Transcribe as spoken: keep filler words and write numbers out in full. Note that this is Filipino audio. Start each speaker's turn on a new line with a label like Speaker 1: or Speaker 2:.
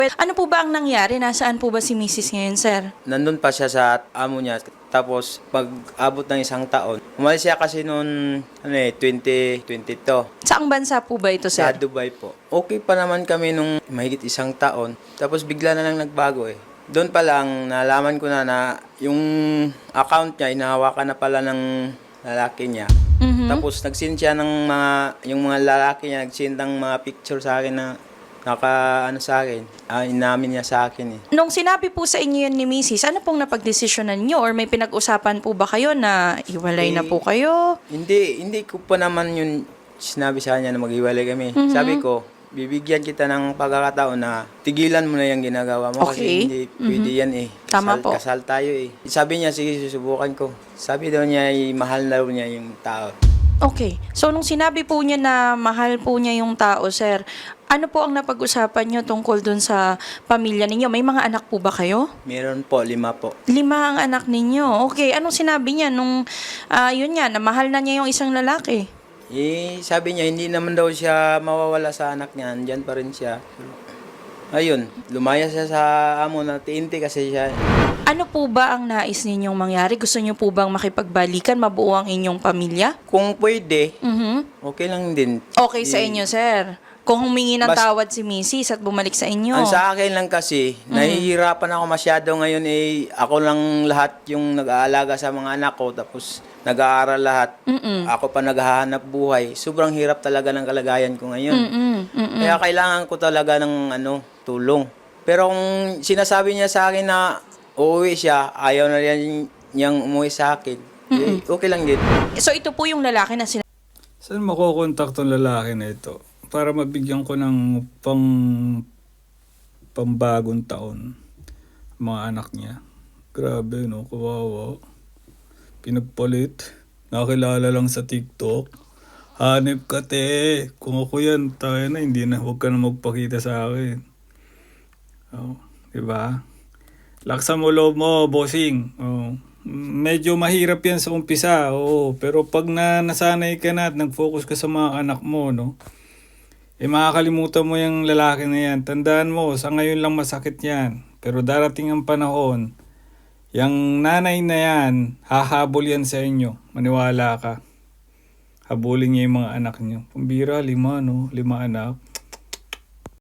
Speaker 1: Ano po ba ang nangyari? Nasaan po ba si Missus ngayon, sir?
Speaker 2: Nandun pa siya sa amo niya. Tapos, pag abot ng isang taon, umalis siya kasi noon, ano eh, twenty twenty-two.
Speaker 1: Saang bansa po ba ito,
Speaker 2: Sa
Speaker 1: sir?
Speaker 2: Dubai po. Okay pa naman kami nung mahigit isang taon. Tapos bigla na lang nagbago eh. Doon pa lang, nalaman ko na na yung account niya, inahawakan na pala ng lalaki niya.
Speaker 1: Mhm.
Speaker 2: Tapos nag-send siya ng mga, yung mga lalaki niya, nag-send ng mga picture sa akin na naka, ano sa akin, ah, inamin niya sa akin eh.
Speaker 1: Nung sinabi po sa inyo yun ni Missus, ano pong napagdesisyonan nyo? Or may pinag-usapan po ba kayo na iwalay na
Speaker 2: Eh,
Speaker 1: po kayo?
Speaker 2: Hindi, hindi ko pa naman yun sinabi sa kanya na maghiwalay kami.
Speaker 1: Mhm.
Speaker 2: Sabi ko, bibigyan kita ng pagkakataon na tigilan mo na yung ginagawa mo
Speaker 1: Okay.
Speaker 2: kasi hindi pwede yan eh.
Speaker 1: Tama
Speaker 2: Kasal,
Speaker 1: po.
Speaker 2: kasal tayo eh. Sabi niya, sige, susubukan ko. Sabi daw niya, eh, mahal daw niya yung tao.
Speaker 1: Okay. So, nung sinabi po niya na mahal po niya yung tao, sir, ano po ang napag-usapan niyo tungkol dun sa pamilya ninyo? May mga anak po ba kayo?
Speaker 2: Meron po, lima po.
Speaker 1: Lima ang anak ninyo. Okay. Anong sinabi niya nung, ah, yun nga, na mahal na niya yung isang lalaki?
Speaker 2: Eh, sabi niya, hindi naman daw siya mawawala sa anak niya. Andyan pa rin siya. Ayun, lumaya siya sa amo na tiinti kasi siya.
Speaker 1: Ano po ba ang nais ninyong mangyari? Gusto niyo po bang makipagbalikan, mabuo ang inyong pamilya?
Speaker 2: Kung pwede,
Speaker 1: Mhm.
Speaker 2: okay lang din.
Speaker 1: Okay sa
Speaker 2: Eh,
Speaker 1: inyo, sir. Kung humingi ng
Speaker 2: Bas-
Speaker 1: tawad si Missus at bumalik sa inyo.
Speaker 2: Ang sa akin lang kasi, nahihirapan ako masyado ngayon eh, ako lang lahat yung nag-aalaga sa mga anak ko, tapos nag-aaral lahat.
Speaker 1: Mm-mm.
Speaker 2: Ako pa naghahanap buhay. Sobrang hirap talaga ng kalagayan ko ngayon.
Speaker 1: Mm-mm. Mm-mm.
Speaker 2: Kaya kailangan ko talaga ng ano, tulong. Pero kung sinasabi niya sa akin na uuwi siya, ayaw na rin niyang umuwi sa akin, eh, okay lang din.
Speaker 1: So, ito po yung lalaki na sinabi.
Speaker 3: Saan makukontak tong lalaki na ito? Para mabigyan ko ng pang pambagong taon mga anak niya. Grabe no, kawawa. Pinagpalit. Nakilala lang sa TikTok. Hanip ka te. Kung ako yan, tayo na, hindi na, huwag ka na magpakita sa akin. Oh, diba? Laksan mo loob mo, bossing. Oh. Medyo mahirap yan sa umpisa, oo. Pero pag na nasanay ka na at nag-focus ka sa mga anak mo, no? Eh makakalimutan mo yung lalaki na yan. Tandaan mo, sa ngayon lang masakit yan. Pero darating ang panahon, yung nanay na yan, hahabol yan sa inyo. Maniwala ka. Habulin niya yung mga anak niyo. Pambira, lima, no? Lima anak.